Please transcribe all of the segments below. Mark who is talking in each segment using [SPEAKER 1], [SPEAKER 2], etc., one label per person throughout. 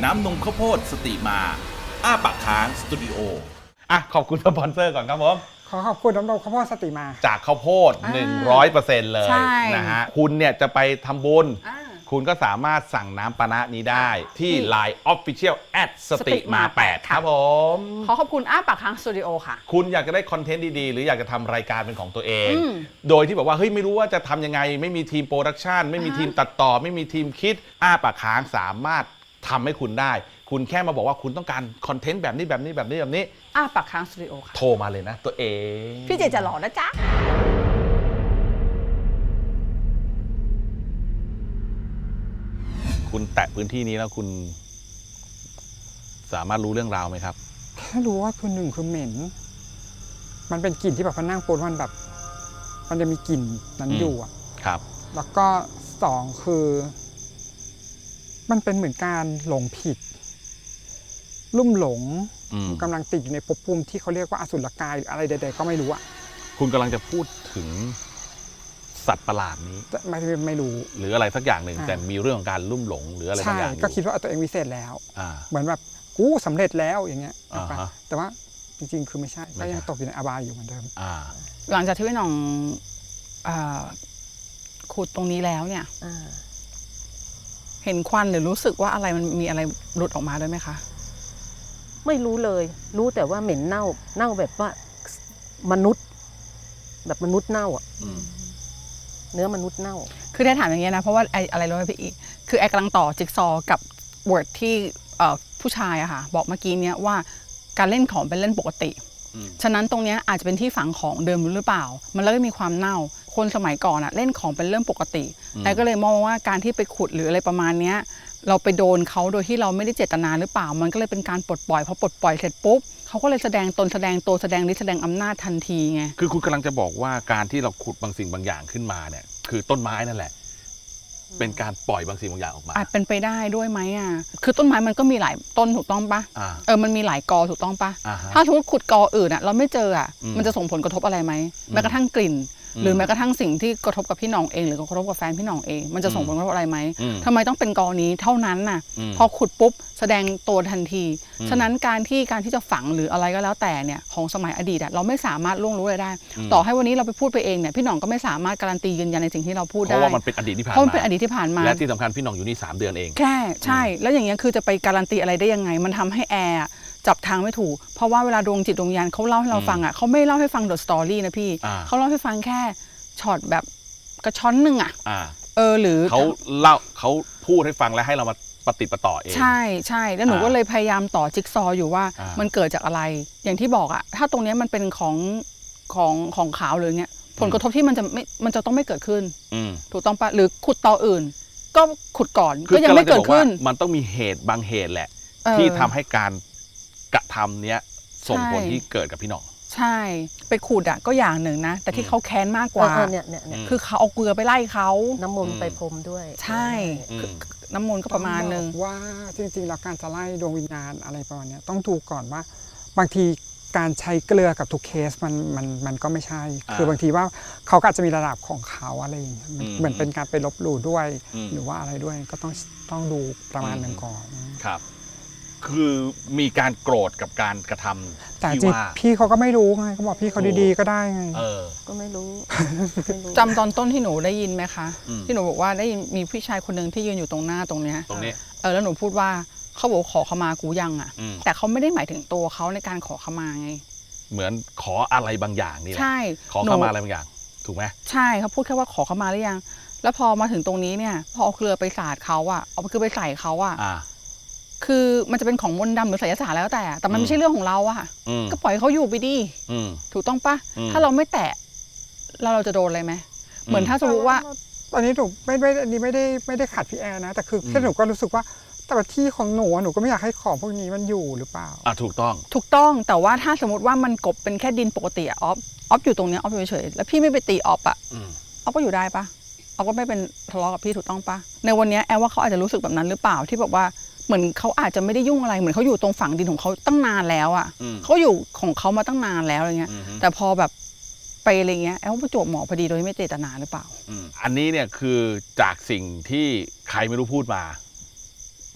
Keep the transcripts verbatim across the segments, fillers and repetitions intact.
[SPEAKER 1] น้ำนมข้าวโพดสติมาอ้าปากค้างสตูดิโออ่ะขอบคุณสปอนเซอร์ก่อนครับผม
[SPEAKER 2] ขอขอบคุณน้ำนมข้าวโพดสติมา
[SPEAKER 1] จากข้าวโพด หนึ่งร้อยเปอร์เซ็นต์ เลยนะฮะคุณเนี่ยจะไปทำบุญคุณก็สามารถสั่งน้ำปานะนี้ได้ที่ ไลน์ Official แอท สติมาแปดครับผม
[SPEAKER 3] ขอขอบคุณอ้าปากค้างสตูดิโอค่ะ
[SPEAKER 1] คุณอยากจะได้คอนเทนต์ดีๆหรืออยากจะทำรายการเป็นของตัวเองโดยที่แบบว่าเฮ้ยไม่รู้ว่าจะทำยังไงไม่มีทีมโปรดักชันไม่มีทีมตัดต่อไม่มีทีมคิดอ้าปากค้างสามารถทำให้คุณได้คุณแค่มาบอกว่าคุณต้องการคอนเทนต์แบบนี้แบบนี้แบบนี้แบบนี้
[SPEAKER 3] อ้าปากค้างสตูดิโอค่ะ
[SPEAKER 1] โทรมาเลยนะตัวเอง
[SPEAKER 3] พี่เจจะหล่อนะจ๊ะ
[SPEAKER 1] คุณแตะพื้นที่นี้แล้วคุณสามารถรู้เรื่องราวไหมครับ
[SPEAKER 2] แค่รู้ว่าคือหนึ่งคือเหม็นมันเป็นกลิ่นที่แบบพอนั่งปนมันแบบมันจะมีกลิ่นนั้นอยู่อ่ะ
[SPEAKER 1] ครับ
[SPEAKER 2] แล้วก็สองคือมันเป็นเหมือนการหลงผิดลุ่มหลงกำลังติดอยู่ในภพภูมิที่เขาเรียกว่าอสุรกายหรืออะไรใดๆก็ไม่รู้อ่ะ
[SPEAKER 1] คุณกำลังจะพูดถึงสัตว์ประหลาดนี้
[SPEAKER 2] ไม่ไม่รู้
[SPEAKER 1] หรืออะไรสักอย่างหนึ่งแต่มีเรื่องของการลุ่มหลงหรืออะไรบางอย่าง
[SPEAKER 2] ก็คิดว่าตัวเองวิเศษแล้วเหมือนแบบกูสำเร็จแล้วอย่างเงี้ยแต่ว่าจริงๆคือไม่ใช่ก็ยังตกอยู่ในอบายอยู่เหมือนเดิม
[SPEAKER 3] หลังจากที่พี่หน่องขุดตรงนี้แล้วเนี่ยเห็นควันหรือรู้สึกว่าอะไรมันมีอะไรหลุดออกมาด้วยไหมคะ
[SPEAKER 4] ไม่รู้เลยรู้แต่ว่าเหม็นเน่าเน่าแบบว่ามนุษย์แบบมนุษย์เน่าอ่ะเนื้อมนุษย์เน่า
[SPEAKER 3] คือได้ถามอย่างเงี้ยนะเพราะว่าไอ้อะไรรู้ไหมพี่อีคือไอ้กำลังต่อจิ๊กซอกับวอร์ดที่ผู้ชายอะค่ะบอกเมื่อกี้เนี้ยว่าการเล่นของเป็นเล่นปกติฉะนั้นตรงเนี้ยอาจจะเป็นที่ฝังของเดิมหรือเปล่ามันเลยมีความเน่าคนสมัยก่อนอะเล่นของเป็นเรื่องปกติไอ้ก็เลยมองว่าการที่ไปขุดหรืออะไรประมาณเนี้ยเราไปโดนเขาโดยที่เราไม่ได้เจตนาหรือเปล่ามันก็เลยเป็นการปลดปล่อยพอปลดปล่อยเสร็จปุ๊บเขาก็เลยแสดงตนแสดงตัวแสดงฤทธิ์แสดงอำนาจทันทีไง
[SPEAKER 1] คือคุณกำลังจะบอกว่าการที่เราขุดบางสิ่งบางอย่างขึ้นมาเนี่ยคือต้นไม้นั่นแหละเป็นการปล่อยบางสิ่งบางอย่างออกมา
[SPEAKER 3] อาจเป็นไปได้ด้วยไหมอ่ะคือต้นไม้มันก็มีหลายต้นถูกต้องปะเออมันมีหลายกอถูกต้องปะถ้าสมมติขุดกออื่นอ่ะเราไม่เจออ่ะมันจะส่งผลกระทบอะไรไหมแม้กระทั่งกลิ่นหรือแม้กระทั่งสิ่งที่กระทบกับพี่หน่องเองหรือกระทบกับแฟนพี่หน่องเองมันจะส่งผลกระทบอะไรไหมทำไมต้องเป็นกอนี้เท่านั้นน่ะพอขุดปุ๊บแสดงตัวทันทีฉะนั้นการที่การที่จะฝังหรืออะไรก็แล้วแต่เนี่ยของสมัยอดีตเราไม่สามารถล่วงรู้อะไรได้ต่อให้วันนี้เราไปพูดไปเองเนี่ยพี่หน่องก็ไม่สามารถการันตียืนยันในสิ่งที่เราพูดได้
[SPEAKER 1] เพราะว่ามันเป็นอดีตที่ผ่านมา
[SPEAKER 3] เพราะมันเป็นอดีตที่ผ่านมา
[SPEAKER 1] และที่สำคัญพี่หน่องอยู่นี่สามเดือนเอง
[SPEAKER 3] แค่ใช่แล้วอย่างเงี้ยคือจะไปการันตีอะไรได้ยังไงมันทำให้แอร์จับทางไม่ถูกเพราะว่าเวลาดวงจิตดวงวิญญาณเขาเล่าให้เราฟังอ่ะเขาไม่เล่าให้ฟังเดอะสตอรี่นะพี่เขาเล่าให้ฟังแค่ช็อตแบบกระช้อนหนึ่งอ่ะเออหรือ
[SPEAKER 1] เขาเล่าเขาพูดให้ฟังแล้วให้เรามาปฏิปต่อเอง
[SPEAKER 3] ใช่ใช่แล้วหนูก็เลยพยายามต่อจิ๊กซออยู่ว่ามันเกิดจากอะไรอย่างที่บอกอ่ะถ้าตรงนี้มันเป็นของของของขาวหรือเงี้ยผลกระทบที่มันจะไม่มันจะต้องไม่เกิดขึ้นถูกต้องปะหรือขุดต่ออื่นก็ขุดก่อนก็ยังไม่เกิดขึ้น
[SPEAKER 1] มันต้องมีเหตุบางเหตุแหละที่ทำให้การกระทำเนี้ยส่งผลที่เกิดกับพี่หน่อง
[SPEAKER 3] ใช่ไปขุดอ่ะก็อย่างหนึ่งนะแต่ที่เขาแค้นมากกว่า
[SPEAKER 4] เนี่ยเนี่ย
[SPEAKER 3] คือเขาเอาเกลือไปไล่เขา
[SPEAKER 4] น้ำมนต์ไปพรมด้วย
[SPEAKER 3] ใช่น้ำมนต์ก็ประมาณนึง
[SPEAKER 2] ว่าจริงๆแล้วการจะไล่ดวงวิญญาณอะไรประมาณนี้ต้องดูก่อนว่าบางทีการใช้เกลือกับทุกเคสมันมันมันก็ไม่ใช่คือบางทีว่าเขาก็อาจจะมีระดับของเขาอะไรอย่างเงี้ยเหมือนเป็นการไปลบหลู่ด้วยหรือว่าอะไรด้วยก็ต้องต้องดูประมาณนึงก่อน
[SPEAKER 1] ครับคือมีการโกรธกับการกระทำ
[SPEAKER 2] แต่จริงพี่เขาก็ไม่รู้ไงเขาบอกพี่เขาดีๆก็ได้ไง
[SPEAKER 4] เออก็ไม่รู้
[SPEAKER 3] จำตอนต้นที่หนูได้ยินไหมคะที่หนูบอกว่าได้ยินมีผู้ชายคนหนึ่งที่ยืนอยู่ตรงหน้าตรงเนี้ย
[SPEAKER 1] ตรงนี้
[SPEAKER 3] เออแล้วหนูพูดว่าเขาบอกขอขมากูยังอ่ะแต่เขาไม่ได้หมายถึงตัวเขาในการขอขมาไง
[SPEAKER 1] เหมือนขออะไรบางอย่างนี่แหละ
[SPEAKER 3] ใช่
[SPEAKER 1] ขอขมาอะไรบางอย่างถูกไหม
[SPEAKER 3] ใช่เขาพูดแค่ว่าขอขมาหรือยังแล้วพอมาถึงตรงนี้เนี่ยพอเอาเกลือไปสาดเขาอ่ะเอาเกลือไปใส่เขาอ่ะคือมันจะเป็นของมนต์ดำหรือไสยศาสตร์แล้วแต่แต่มันไม่ใช่เรื่องของเราอะก็ปล่อยเขาอยู่ไปดิถูกต้องปะถ้าเราไม่แตะเราเราจะโดนอะไรไหมเหมือนถ้าสมมติว่า
[SPEAKER 2] ตอนนี้หนูไม่ไม่อันนี้ไม่ได้ไม่ได้ขัดพี่แอร์นะแต่คือแค่หนูก็รู้สึกว่าแต่ที่ของหนูหนูก็ไม่อยากให้ของพวกนี้มันอยู่หรือเปล่า
[SPEAKER 1] อ่ะถูกต้อง
[SPEAKER 3] ถูกต้องแต่ว่าถ้าสมมติว่ามันกบเป็นแค่ดินปกติอะออฟออฟอยู่ตรงนี้ออฟอยู่เฉยแล้วพี่ไม่ไปตีออฟอะออฟก็อยู่ได้ปะออฟก็ไม่เป็นทะเลาะกับพี่ถูกต้องปะในวันนี้แอร์ว่าเขาอาจจะรู้สึกแบบนั้นหรือเปล่าที่แบบว่าเหมือนเขาอาจจะไม่ได้ยุ่งอะไรเหมือนเขาอยู่ตรงฝั่งดินของเขาตั้งนานแล้วอ่ะเขาอยู่ของเขามาตั้งนานแล้วอะไรเงี้ยแต่พอแบบไปอะไรเงี้ยแอลประจวบเหมาะพอดีโดยไม่เจตนาหรือเปล่า
[SPEAKER 1] อันนี้เนี่ยคือจากสิ่งที่ใครไม่รู้พูดมา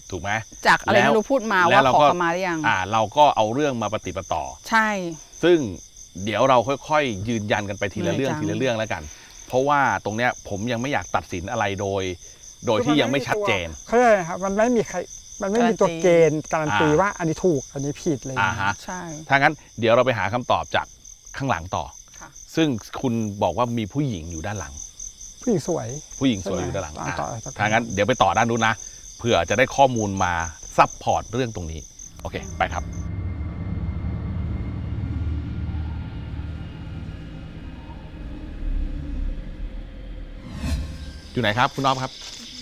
[SPEAKER 1] ถูกไหม
[SPEAKER 3] จากอะไร
[SPEAKER 1] แล้ว
[SPEAKER 3] ไม่รู้พูดมา
[SPEAKER 1] แล้
[SPEAKER 3] ว่าว
[SPEAKER 1] เรา
[SPEAKER 3] ขอ
[SPEAKER 1] ก็
[SPEAKER 3] ขมาหรือยัง
[SPEAKER 1] อ่าเราก็เอาเรื่องมาปฏิปต่อ
[SPEAKER 3] ใช่
[SPEAKER 1] ซึ่งเดี๋ยวเราค่อยๆ ยืนยันกันไปทีละเรื่อง
[SPEAKER 3] เหนื่อยจัง
[SPEAKER 1] ทีละเรื่องแล้วกัน เพราะว่าตรงเนี้ยผมยังไม่อยากตัดสินอะไรโดย โดยที่ยังไม่ชัดเจน
[SPEAKER 2] เขาเรียกอะไรครับมันไม่มีใครมันไม่มีตัวเกณฑ์การันตี
[SPEAKER 1] อ่า
[SPEAKER 2] ว่าอันนี้ถูกอันนี้ผิดอะไรอย่าง
[SPEAKER 1] อ่า
[SPEAKER 2] เงี้ย
[SPEAKER 1] ฮะ
[SPEAKER 3] ใช่
[SPEAKER 1] ถ้างั้นเดี๋ยวเราไปหาคำตอบจากข้างหลังต่อ
[SPEAKER 3] ค่ะ
[SPEAKER 1] ซึ่งคุณบอกว่ามีผู้หญิงอยู่ด้านหลัง
[SPEAKER 2] ผู้หญิงสวย
[SPEAKER 1] ผู้หญิงสวย
[SPEAKER 2] ใช่ไหม
[SPEAKER 1] อยู่ด้านหลัง
[SPEAKER 2] อ่า
[SPEAKER 1] อ่ะ
[SPEAKER 2] ต่อต่อ
[SPEAKER 1] ถ้างั้นเดี๋ยวไปต่อด้านนู้นนะเผื่อจะได้ข้อมูลมาซับพอร์ตเรื่องตรงนี้โอเคไปครับ อยู่ไหนครับคุณน้องครับ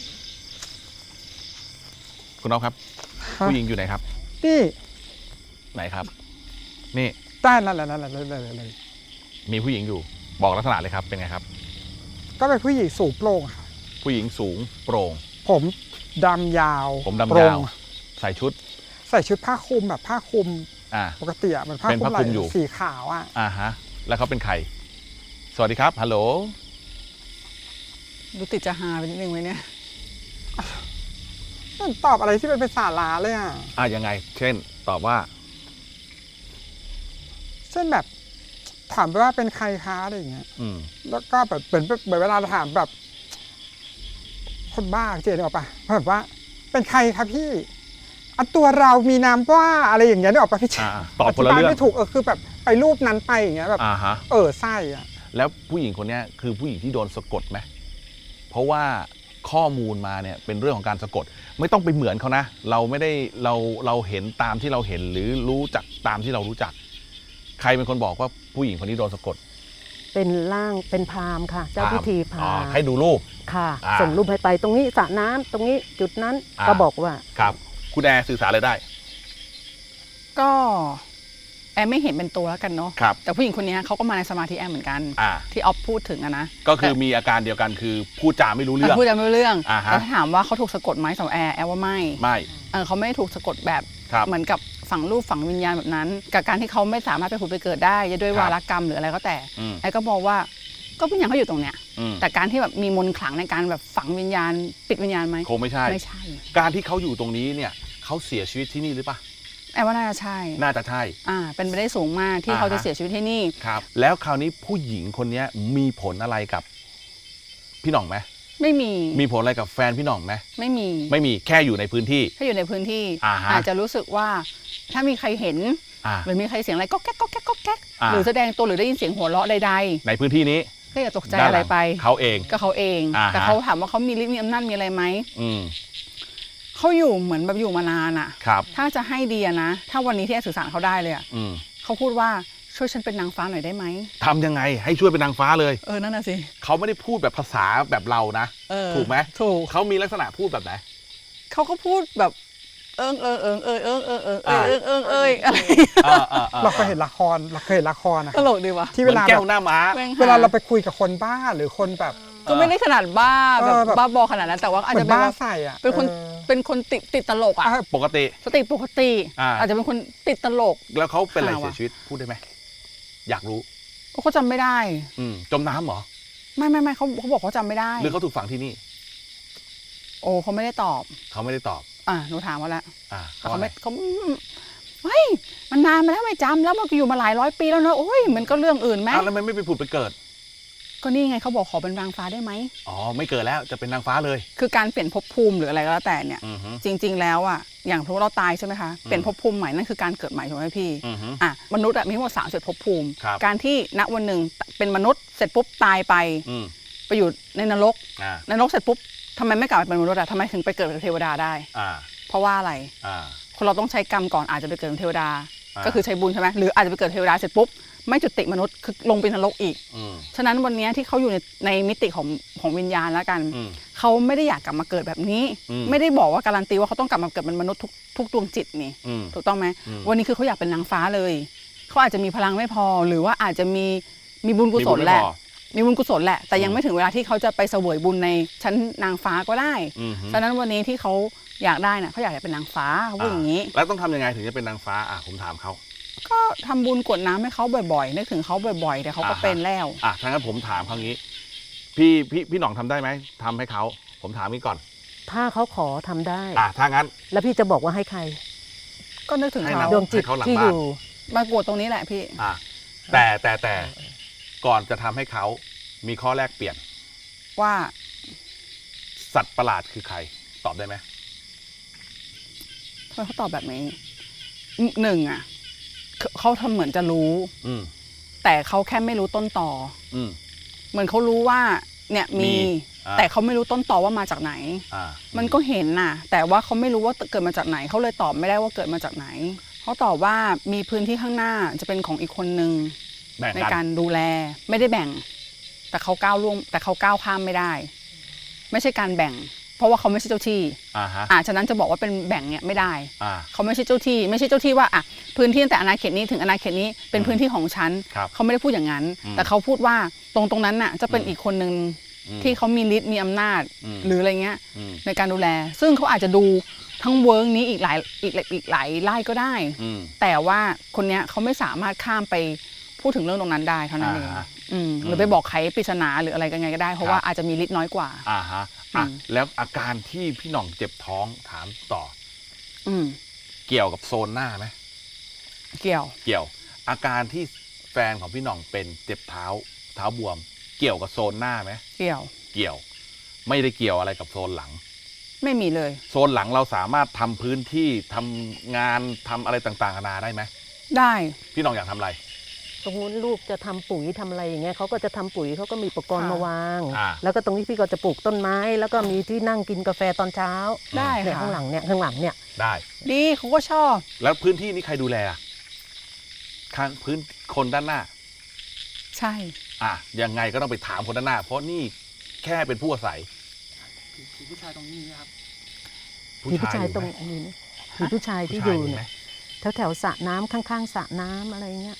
[SPEAKER 1] คุณน้องครับ
[SPEAKER 2] ฮะ
[SPEAKER 1] ผู้หญิงอยู่ไหนครับ
[SPEAKER 2] นี่
[SPEAKER 1] ไหนครับ นี่
[SPEAKER 2] ใต้นั่นแหละนั่นแหละเลยเลยเลย
[SPEAKER 1] มีผู้หญิงอยู่บอกลักษณะเลยครับเป็นไงครับ
[SPEAKER 2] ก็เป็นผู้หญิงสูงโปร่งค่ะ
[SPEAKER 1] ผู้หญิงสูงโปร่ง
[SPEAKER 2] ผมดำยาว
[SPEAKER 1] ผม
[SPEAKER 2] โป
[SPEAKER 1] ดำ
[SPEAKER 2] ร่
[SPEAKER 1] ยาง ว ใส่ชุด
[SPEAKER 2] ใส่ชุดผ้าคลุมแบบผ้าคลุม
[SPEAKER 1] อ่า
[SPEAKER 2] ปกติอ่ะมันผ้า
[SPEAKER 1] เป็น
[SPEAKER 2] คลุ
[SPEAKER 1] ผ้าม
[SPEAKER 2] ไห
[SPEAKER 1] คลุ
[SPEAKER 2] ล่
[SPEAKER 1] มอยู่
[SPEAKER 2] สีขาวอ่ะ
[SPEAKER 1] อ่าฮะ แล้วเขาเป็นใคร สวัสดีครับฮัลโหล
[SPEAKER 3] ดูติดจะฮาไปนิดนึงไหมเนี่ย
[SPEAKER 2] มันตอบอะไรที่เป็นภาษาลาเลยอ่ะ
[SPEAKER 1] อ่ายังไง เช่น ตอบว่า
[SPEAKER 2] เช่นแบบถามไปว่าเป็นใครคะอะไรอย่างเงี้ย
[SPEAKER 1] อืม
[SPEAKER 2] แล้วก็แบบเหมือนเหมือนเวลาถามแบบ คนบ้าเจนออกปะแบบว่า เป็นใครครับพี่อันตัวเรามีนามว่าอะไรอย่างเงี้ยนึกออกปะพี่เจ
[SPEAKER 1] อ่าตอบคนละ
[SPEAKER 2] ธิาย
[SPEAKER 1] เรื่อง
[SPEAKER 2] ไม่ถูกเออคือแบบไปรูปนั้นไปอย่างเงี้ยแบบ
[SPEAKER 1] อ่าฮะ
[SPEAKER 2] เออไส้อ่ะ
[SPEAKER 1] แล้วผู้หญิงคนเนี้ยคือผู้หญิงที่โดนสะกดไหม เพราะว่าข้อมูลมาเนี่ยเป็นเรื่องของการสะกด ไม่ต้องไปเหมือนเขานะ เราไม่ได้เราเราเห็นตามที่เราเห็นหรือรู้จักตามที่เรารู้จัก ใครเป็นคนบอกว่าผู้หญิงคนนี้โดนสะกด
[SPEAKER 4] เป็นร่างเป็นพราหมณ์ค่ะ เจ้าพิธีพ
[SPEAKER 1] อ๋อ
[SPEAKER 4] ราหมณ์
[SPEAKER 1] ให้ดูรูป
[SPEAKER 4] ค่ะ
[SPEAKER 1] อ่า
[SPEAKER 4] ส่งรูปให้ไปตรงนี้สระน้ำตรงนี้จุดนั้น
[SPEAKER 1] อ่า
[SPEAKER 4] ก็บอกว่า
[SPEAKER 1] ครับ คุณแอร์สื่อสารอะไรได้
[SPEAKER 3] ก็แอมไม่เห็นเป็นตัวแล้วกันเนาะ
[SPEAKER 1] ครับ
[SPEAKER 3] แต่ผู้หญิงคนนี้เขาก็มาในสมาธิแอมเหมือนกัน
[SPEAKER 1] อ่า
[SPEAKER 3] ที่ออฟพูดถึงอะนะ
[SPEAKER 1] ก็คือมีอาการเดียวกันคือพูดจาไม่รู้เรื่อง
[SPEAKER 3] พูดจำไม่รู้เรื่อง
[SPEAKER 1] อ่าฮะ
[SPEAKER 3] แต่ถ้าถามว่าเขาถูกสะกดไหมสำหรับแอร์แอร์ว่าไม่
[SPEAKER 1] ไม่
[SPEAKER 3] เออเขาไม่ได้ถูกสะกดแบบ
[SPEAKER 1] ครับ
[SPEAKER 3] เหมือนกับฝังรูปฝังวิญญาณแบบนั้น กับการที่เขาไม่สามารถไปผุดไปเกิดได้จะด้วย
[SPEAKER 1] ครับ
[SPEAKER 3] วารกรรมหรืออะไรก็แต่
[SPEAKER 1] อืม
[SPEAKER 3] แอร์ก็มองว่าก็วิญญาณเขาอยู่ตรงเนี้ย
[SPEAKER 1] อืม
[SPEAKER 3] แต่การที่แบบมีมนต์ขลังในการแบบฝังวิญญาณ ปิดวิญญาณไหม
[SPEAKER 1] คงไม่ใช่
[SPEAKER 3] ไม่ใช่
[SPEAKER 1] การที่เขาอยู่ตรงนี้เนี่ยเขาเสียชีวิตที่นี่หรือเปล่า
[SPEAKER 3] แอร์ว่าน่าจะใช่
[SPEAKER 1] น่าจะใช่
[SPEAKER 3] อ่าเป็นไปได้สูงมากที่
[SPEAKER 1] อ่าฮะ
[SPEAKER 3] เขาจะเสียชีวิตที่นี่
[SPEAKER 1] ครับ แล้วคราวนี้ผู้หญิงคนนี้มีผลอะไรกับพี่หน่องไหม
[SPEAKER 3] ไม่มี
[SPEAKER 1] มีผลอะไรกับแฟนพี่หน่องไหม
[SPEAKER 3] ไม่มี
[SPEAKER 1] ไม่มีแค่อยู่ในพื้นที่
[SPEAKER 3] ถ้าอยู่ในพื้นที่
[SPEAKER 1] อ่าฮะ
[SPEAKER 3] อาจจะรู้สึกว่าถ้ามีใครเห็น
[SPEAKER 1] อ่า
[SPEAKER 3] หรือมีใครเสียงอะไรก็แก๊กก็แก๊กก็แก๊ก
[SPEAKER 1] อ่า
[SPEAKER 3] หรือแสดงตัวหรือได้ยินเสียงหัวเราะใด
[SPEAKER 1] ในพื้นที่นี้
[SPEAKER 3] ๆก็อย่าตกใจ
[SPEAKER 1] ด้าน
[SPEAKER 3] อะ
[SPEAKER 1] ห
[SPEAKER 3] ไร
[SPEAKER 1] ลัง
[SPEAKER 3] ไป
[SPEAKER 1] เขาเอง
[SPEAKER 3] ก็เขาเอง
[SPEAKER 1] อ่าฮะ
[SPEAKER 3] แต่เขาถามว่าเขามีฤทธิ์มีอำนาจมีอะไรไหม
[SPEAKER 1] อืม
[SPEAKER 3] เขาอยู่เหมือนแบบอยู่มานานอะ
[SPEAKER 1] ครับ
[SPEAKER 3] ถ้าจะให้ดีอะนะ ถ้าวันนี้ที่แอร์สื่อสารเขาได้เลยอะ
[SPEAKER 1] อืม
[SPEAKER 3] เขาพูดว่าช่วยฉันเป็นนางฟ้าหน่อยได้ไหม
[SPEAKER 1] ทำยังไงให้ช่วยเป็นนางฟ้าเลย
[SPEAKER 3] เออนั่นน่ะสิ
[SPEAKER 1] เขาไม่ได้พูดแบบภาษาแบบเรานะ
[SPEAKER 3] เออ
[SPEAKER 1] ถูกไหม
[SPEAKER 3] ถูก
[SPEAKER 1] เขามีลักษณะพูดแบบไหน
[SPEAKER 3] เขาก็พูดแบบเอิงเอิงเอิงเอิงเอิงเอิงเอิงเอิ
[SPEAKER 1] อ่า
[SPEAKER 3] งเอิงเอิงเอิงอะไร
[SPEAKER 1] อ่าอ่าอ่
[SPEAKER 2] เราเคยเห็นละครเราเคยเห็นละครนะ
[SPEAKER 3] ตลกดีวะ
[SPEAKER 2] ที่
[SPEAKER 1] เห
[SPEAKER 2] เว
[SPEAKER 1] มือน
[SPEAKER 2] ลา
[SPEAKER 1] แก้
[SPEAKER 2] แบ
[SPEAKER 1] ว
[SPEAKER 2] บ
[SPEAKER 1] หน้าม้า
[SPEAKER 3] แม่งห
[SPEAKER 2] เวลาเราไปคุยกับคนบ้าหรือคนแบบ
[SPEAKER 3] ก็ไม่ได้ขนาดบ้าแบบ
[SPEAKER 2] เออแบบ
[SPEAKER 3] บ้าบอขนาดนั้นแต่ว่าอาจ
[SPEAKER 2] เหมือ
[SPEAKER 3] จะ
[SPEAKER 2] น
[SPEAKER 3] เป็น
[SPEAKER 2] บ้า
[SPEAKER 3] ว่า
[SPEAKER 2] ใส่อ่ะ
[SPEAKER 3] เป็นคน
[SPEAKER 2] ออ
[SPEAKER 3] เป็นคนติดติดตลกอ่ะ
[SPEAKER 2] อ่ะ
[SPEAKER 1] ปกติ
[SPEAKER 3] สติปกติ
[SPEAKER 1] อ่า
[SPEAKER 3] อาจจะเป็นคนติดตลก
[SPEAKER 1] แล้วเขาเป็นอะไร
[SPEAKER 3] ข่าวอะ
[SPEAKER 1] เสียชีวิตพูดได้ไหมอยากรู้
[SPEAKER 3] เขาจำไม่ได้
[SPEAKER 1] อืมจมน้ำเหรอ
[SPEAKER 3] ไม่ไม่ไม่เขาเขาบอกเขาจำไม่ได้
[SPEAKER 1] หรือเขาถูกฝังที่นี่
[SPEAKER 3] โอ้เขาไม่ได้ตอบ
[SPEAKER 1] เขาไม่ได้ตอบ
[SPEAKER 3] อ่ะหนูถามเขาแล้ว
[SPEAKER 1] อ่า
[SPEAKER 3] เขาไม่เขาเฮ้ยมันนานมาแล้วไม่จำแล้วมันก็อยู่มาหลายร้อยปีแล้วเนอะโอ้ยมันก็เรื่องอื่นไหม
[SPEAKER 1] อ้าวแล้วมันไม่ไปผุดไปเกิด
[SPEAKER 3] ก็นี่ไงเขาบอกขอเป็นนางฟ้าได้ไหม
[SPEAKER 1] อ๋อไม่เกิดแล้วจะเป็นนางฟ้าเลย
[SPEAKER 3] คือการเปลี่ยนภพภูมิหรืออะไรก็แล้วแต่เนี่ย
[SPEAKER 1] อือฮึ
[SPEAKER 3] จริง ๆ แล้วอ่ะอย่างสมมติเราตายใช่ไหมคะเปลี่ยนภพภูมิใหม่นั่นคือการเกิดใหม่ถูกไหมพี่
[SPEAKER 1] อือฮึ
[SPEAKER 3] อ่ะมนุษย์อะมีทั้งหมดสามสิบภพภูมิ
[SPEAKER 1] ครับ
[SPEAKER 3] การที่ณวันหนึ่งเป็นมนุษย์เสร็จปุ๊บตายไป
[SPEAKER 1] อืม
[SPEAKER 3] ไปอยู่ในนรก
[SPEAKER 1] อ่า
[SPEAKER 3] ในนรกเสร็จปุ๊บทำไมไม่กลับไปเป็นมนุษย์อะทำไมถึงไปเกิดเป็นเทวดาได้
[SPEAKER 1] อ่า
[SPEAKER 3] เพราะว่าอะไร
[SPEAKER 1] อ่า
[SPEAKER 3] คนเราต้องใช้กรรมก่อนอาจจะไปเกิดเป็นเทวดา
[SPEAKER 1] อ่า
[SPEAKER 3] ก็คือใช้บุญใช่ไหมหรืออาจจะไปเกิดเทวดาเสร็จปุ๊บไม่จุติมนุษย์คือลงเป็นนรกอีก
[SPEAKER 1] อืม
[SPEAKER 3] ฉะนั้นวันนี้ที่เขาอยู่ในในมิติของของวิญญาณแล้วกัน
[SPEAKER 1] อืม
[SPEAKER 3] เขาไม่ได้อยากกลับมาเกิดแบบนี้
[SPEAKER 1] อืม
[SPEAKER 3] ไม่ได้บอกว่าการันตีว่าเขาต้องกลับมาเกิดเป็นมนุษย์ทุกทุกดวงจิตนี่
[SPEAKER 1] อืม
[SPEAKER 3] ถูกต้องไหม
[SPEAKER 1] อืม
[SPEAKER 3] วันนี้คือเขาอยากเป็นนางฟ้าเลยเขาอาจจะมีพลังไม่พอ หรือว่าอาจจะมีมีบุญกุศลแหละ มีบุญกุศลแหละแต่ยังไม่ถึงเวลาที่เขาจะไปเสวยบุญในชั้นนางฟ้าก็ได้
[SPEAKER 1] อืม
[SPEAKER 3] ฉะนั้นวันนี้ที่เขาอยากได้น่ะเขาอยากจะเป็นนางฟ้าเขาพูดอย่างนี้
[SPEAKER 1] แล้วต้องทำยังไงถึงจะเป็นนางฟ้าอ่ะผมถามเขา
[SPEAKER 3] ก็ทำบุญกรวดน้ำให้เขาบ่อยๆนึกถึงเขาบ่อยๆแต่เขาก็
[SPEAKER 1] อ่าฮะ
[SPEAKER 3] เป็นแล้ว
[SPEAKER 1] อ่ะถ้างั้นผมถามเขางี้ พี่พี่พี่หน่องทำได้ไหมทำให้เขาผมถามนี้ก่อน
[SPEAKER 4] ถ้าเขาขอทำได้
[SPEAKER 1] อ่ะถ้างั้น
[SPEAKER 4] แล้วพี่จะบอกว่าให้ใคร
[SPEAKER 3] ก็นึกถึง
[SPEAKER 1] ให้
[SPEAKER 3] เขา
[SPEAKER 1] เรา
[SPEAKER 4] ดวงจิต
[SPEAKER 1] ให้เขาหลัง
[SPEAKER 4] ที่
[SPEAKER 1] บ้าน
[SPEAKER 4] อยู่
[SPEAKER 3] มากวดตรงนี้แหละพี่
[SPEAKER 1] อ่ะแต่แต่แต่ก่อนจะทำให้เขามีข้อแรกเปลี่ยน
[SPEAKER 3] ว่า
[SPEAKER 1] สัตว์ประหลาดคือใคร ตอบได้ไหม
[SPEAKER 3] ทำไมเขาตอบแบบนี้หนึ่งอ่ะเขาเขาทำเหมือนจะรู้
[SPEAKER 1] อืม
[SPEAKER 3] แต่เขาแค่ไม่รู้ต้นต่อ
[SPEAKER 1] อืม
[SPEAKER 3] เหมือนเขารู้ว่าเนี่ยมี
[SPEAKER 1] มีอ่า
[SPEAKER 3] แต่เขาไม่รู้ต้นต่อว่ามาจากไหน
[SPEAKER 1] อ่า
[SPEAKER 3] มันก็เห็นน่ะ แต่ว่าเขาไม่รู้ว่าเกิดมาจากไหนเขาเลยตอบไม่ได้ว่าเกิดมาจากไหนเขาตอบว่ามีพื้นที่ข้างหน้าจะเป็นของอีกคนนึง
[SPEAKER 1] แบ่ง
[SPEAKER 3] ใน
[SPEAKER 1] กัน
[SPEAKER 3] การดูแลไม่ได้แบ่ง แต่เขาก้าวล่วงแต่เขาก้าวข้ามไม่ได้ ไม่ใช่การแบ่ง เพราะว่าเขาไม่ใช่เจ้าที่
[SPEAKER 1] อ่าฮะ
[SPEAKER 3] อ่าฉะนั้นจะบอกว่าเป็นแบ่งเนี่ยไม่ได้
[SPEAKER 1] อ่า
[SPEAKER 3] เขาไม่ใช่เจ้าที่ ไม่ใช่เจ้าที่ว่าอ่ะพื้นที่ตั้งแต่อาณาเขตนี้ถึงอาณาเขตนี้เป็นพื้นที่ของฉัน
[SPEAKER 1] ครับ
[SPEAKER 3] เขาไม่ได้พูดอย่างนั้น
[SPEAKER 1] อืม
[SPEAKER 3] แต่เขาพูดว่าตรงตรงนั้นน่ะจะเป็น
[SPEAKER 1] อืม
[SPEAKER 3] อีกคนนึง
[SPEAKER 1] อืม
[SPEAKER 3] ที่เขามีฤทธิ์มีอำนาจ
[SPEAKER 1] อืม
[SPEAKER 3] หรืออะไรเงี้ย
[SPEAKER 1] อืม
[SPEAKER 3] ในการดูแล ซึ่งเขาอาจจะดูทั้งเวิร์กนี้อีกหลายอีกอีกหลายไล่ก็ได้
[SPEAKER 1] อืม
[SPEAKER 3] แต่ว่าคนเนี้ยเขาไม่สามารถข้ามไปพูดถึงเรื่องตรงนั้นได้เท่านั้นเอง
[SPEAKER 1] อ่าฮะ
[SPEAKER 3] อืมหรือไปบอกใครปริศนาหรืออะไรกันไงก็ได้ เพราะว่าอาจจะมีฤทธิ์น้อยกว่า
[SPEAKER 1] อ่าฮะอ่ะ
[SPEAKER 3] อืม
[SPEAKER 1] แล้วอาการที่พี่หน่องเจ็บท้องถามต่อ
[SPEAKER 3] อืม
[SPEAKER 1] เกี่ยวกับโซนหน้าไหม
[SPEAKER 3] เกี่ยว
[SPEAKER 1] เกี่ยว อาการที่แฟนของพี่หน่องเป็นเจ็บเท้า เท้าบวม เกี่ยวกับโซนหน้าไหม
[SPEAKER 3] เกี่ยว
[SPEAKER 1] เกี่ยว ไม่ได้เกี่ยวอะไรกับโซนหลัง
[SPEAKER 3] ไม่มีเลย
[SPEAKER 1] โซนหลังเราสามารถทำพื้นที่ทำงานทำอะไรต่างๆนานาได้ไหม
[SPEAKER 3] ได้
[SPEAKER 1] พี่หน่องอยากทำอะไร
[SPEAKER 4] ตรงนู้นลูกจะทำปุ๋ยทำอะไรอย่างเงี้ยเขาก็จะทำปุ๋ยเขาก็มีอุปกรณ์
[SPEAKER 3] ค่ะ
[SPEAKER 4] มาวาง
[SPEAKER 1] อ่า
[SPEAKER 4] แล้วก็ตรงนี้พี่ก็จะปลูกต้นไม้ แล้วก็มีที่นั่งกินกาแฟตอนเช้า
[SPEAKER 3] ได้
[SPEAKER 4] เนี่ย
[SPEAKER 3] ค่ะ
[SPEAKER 4] ข้างหลังเนี่ยข้างหลังเนี่ย
[SPEAKER 1] ได้
[SPEAKER 3] ดีเขาก็ชอบ
[SPEAKER 1] แล้วพื้นที่นี้ใครดูแลอ่ะข้างพื้นคนด้านหน้า
[SPEAKER 3] ใช่
[SPEAKER 1] อ่ะยังไงก็ต้องไปถามคนด้านหน้า เพราะนี่แค่เป็นผู้อาศัย
[SPEAKER 2] ผีผู้ชายตรงนี้ครับ
[SPEAKER 4] มีผู้ชาย
[SPEAKER 1] อยู่
[SPEAKER 4] ตรง
[SPEAKER 1] ไหม
[SPEAKER 4] นี้นะมีผู้ชายที่
[SPEAKER 1] ผู้
[SPEAKER 4] อ
[SPEAKER 1] ชาย
[SPEAKER 4] ยู่
[SPEAKER 1] มีไหม
[SPEAKER 4] เนี่ยแถวแถวๆสระน้ำข้างๆสระน้ำอะไรเงี้ย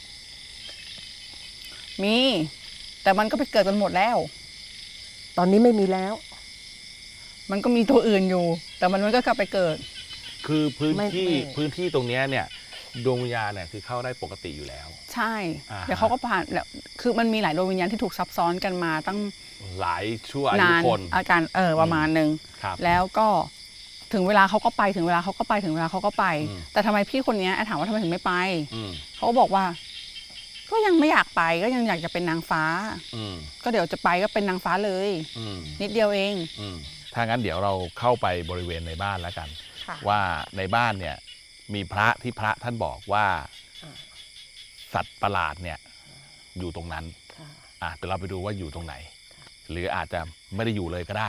[SPEAKER 3] มี แต่มันก็ไปเกิดกันหมดแล้ว
[SPEAKER 4] ตอนนี้ไม่มีแล้ว
[SPEAKER 3] มันก็มีตัวอื่นอยู่ แต่มันมันก็กลับไปเกิด
[SPEAKER 1] คือพื้น
[SPEAKER 4] ไม่
[SPEAKER 1] ที่
[SPEAKER 4] ไม่
[SPEAKER 1] พื้นที่ตรงเนี้ยเนี่ยดวงวิญญาณเนี่ยคือเข้าได้ปกติอยู่แล้ว
[SPEAKER 3] ใช่
[SPEAKER 1] อ่าฮะ
[SPEAKER 3] เดี๋ยวเขาก็ผ่านแล้วคือมันมีหลายดวงวิญญาณที่ถูกซับซ้อนกันมาตั้ง
[SPEAKER 1] หลายชั่วอายุ
[SPEAKER 3] นาน
[SPEAKER 1] คน
[SPEAKER 3] อาการเออประมาณหนึ่ง
[SPEAKER 1] ครับ
[SPEAKER 3] แล้วก็ถึงเวลาเขาก็ไปถึงเวลาเขาก็ไปถึงเวลาเขาก็ไป
[SPEAKER 1] อืม
[SPEAKER 3] แต่ทำไมพี่คนเนี้ยแอนถามว่าทำไมถึงไม่ไป
[SPEAKER 1] อืม
[SPEAKER 3] เขาก็บอกว่า ก็ยังไม่อยากไปก็ยังอยากจะเป็นนางฟ้า
[SPEAKER 1] อืม
[SPEAKER 3] ก็เดี๋ยวจะไปก็เป็นนางฟ้าเลย
[SPEAKER 1] อืม
[SPEAKER 3] นิดเดียวเอง
[SPEAKER 1] อืมถ้างั้นเดี๋ยวเราเข้าไปบริเวณในบ้านแล้วกัน
[SPEAKER 3] ค่ะ
[SPEAKER 1] ว่าในบ้านเนี่ยมีพระที่พระท่านบอกว่า สัตว์ประหลาดเนี่ยอยู่ตรงนั้น
[SPEAKER 4] ค่ะ
[SPEAKER 1] อ่ะเดี๋ยวเราไปดูว่าอยู่ตรงไหน หรืออาจจะไม่ได้อยู่เลยก็ได้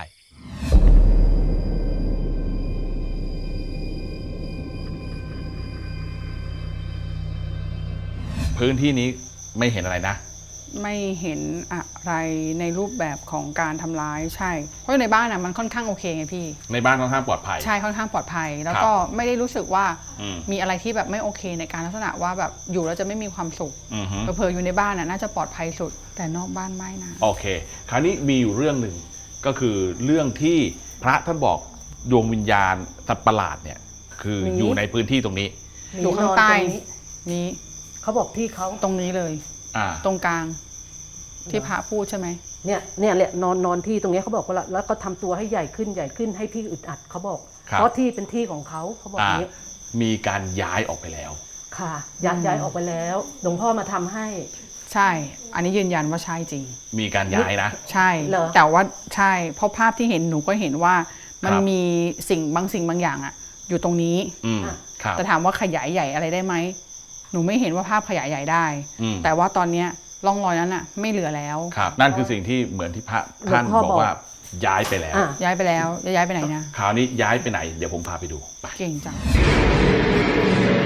[SPEAKER 1] พื้นที่นี้ไม่เห็นอะไรนะ
[SPEAKER 3] ไม่เห็นอะไรในรูปแบบของการทำร้ายใช่ เพราะในบ้านอ่ะมันค่อนข้างโอเคไงพี่
[SPEAKER 1] ในบ้านค่อนข้างปลอดภัย
[SPEAKER 3] ใช่ค่อนข้างปลอดภัย แล้ว
[SPEAKER 1] ครับ
[SPEAKER 3] ก็ไม่ได้รู้สึกว่า
[SPEAKER 1] อืม
[SPEAKER 3] มีอะไรที่แบบไม่โอเคในการลักษณะว่าแบบอยู่แล้วจะไม่มีความสุข
[SPEAKER 1] อือฮึ
[SPEAKER 3] เผลอๆอยู่ในบ้านน่ะน่าจะปลอดภัยสุด แต่นอกบ้านไม่นะ
[SPEAKER 1] โอเค คราวนี้มีอยู่เรื่องหนึ่งก็คือเรื่องที่พระท่านบอกดวงวิญญาณสัตว์ประหลาดเนี่ย คือ
[SPEAKER 4] หนี
[SPEAKER 1] อยู่ในพื้นที่ตรงนี้
[SPEAKER 3] อยู่ข้างใต้
[SPEAKER 4] นอนรงนี้
[SPEAKER 3] นี้
[SPEAKER 4] เขาบอกที่เขา
[SPEAKER 3] ตรงนี้เลย
[SPEAKER 1] อ่า
[SPEAKER 3] ตรงกลางที่พระพูดใช่ไหม
[SPEAKER 4] เนี่ยเนี่ยแหละนอนนอนที่ตรงเนี้ยเขาบอกว่าแล้วแล้วก็ทำตัวให้ใหญ่ขึ้นใหญ่ขึ้นให้พี่อึดอัดเขาบอก
[SPEAKER 1] ครับ
[SPEAKER 4] เพราะที่เป็นที่ของเขาเขาบอกอ
[SPEAKER 1] อ่า
[SPEAKER 4] ย่างนี้
[SPEAKER 1] มีการย้ายออกไปแล้ว
[SPEAKER 4] ค่ะย้ายย้ายออกไปแล้วหลวงพ่อมาทำให้
[SPEAKER 3] ใช่ อันนี้ยืนยันว่าใช่จริง
[SPEAKER 1] มีการย้ายนะ
[SPEAKER 3] ใช่
[SPEAKER 4] เหรอ
[SPEAKER 3] แต่ว่าใช่ เพราะภาพที่เห็นหนูก็เห็นว่ามัน
[SPEAKER 1] ครับ
[SPEAKER 3] มีสิ่งบางสิ่งบางอย่างอะอยู่ตรงนี้
[SPEAKER 1] อืมครับ
[SPEAKER 3] แต่ถามว่าขยายใหญ่อะไรได้ไหม หนูไม่เห็นว่าภาพขยายใหญ่ได้
[SPEAKER 1] อืม
[SPEAKER 3] แต่ว่าตอนเนี้ยร่องรอยนั้นอะไม่เหลือแล้ว
[SPEAKER 1] ครับ นั่นคือสิ่งที่เหมือนที่พระท่าน
[SPEAKER 4] หลวงพ่อ
[SPEAKER 1] บอกว่าย้ายไปแล้ว
[SPEAKER 4] อ่ะ
[SPEAKER 3] ย้ายไปแล้วจะย้ายไปไหนนะ
[SPEAKER 1] คราวนี้ย้ายไปไหน เดี๋ยวผมพาไปดูไป
[SPEAKER 3] เก่งจัง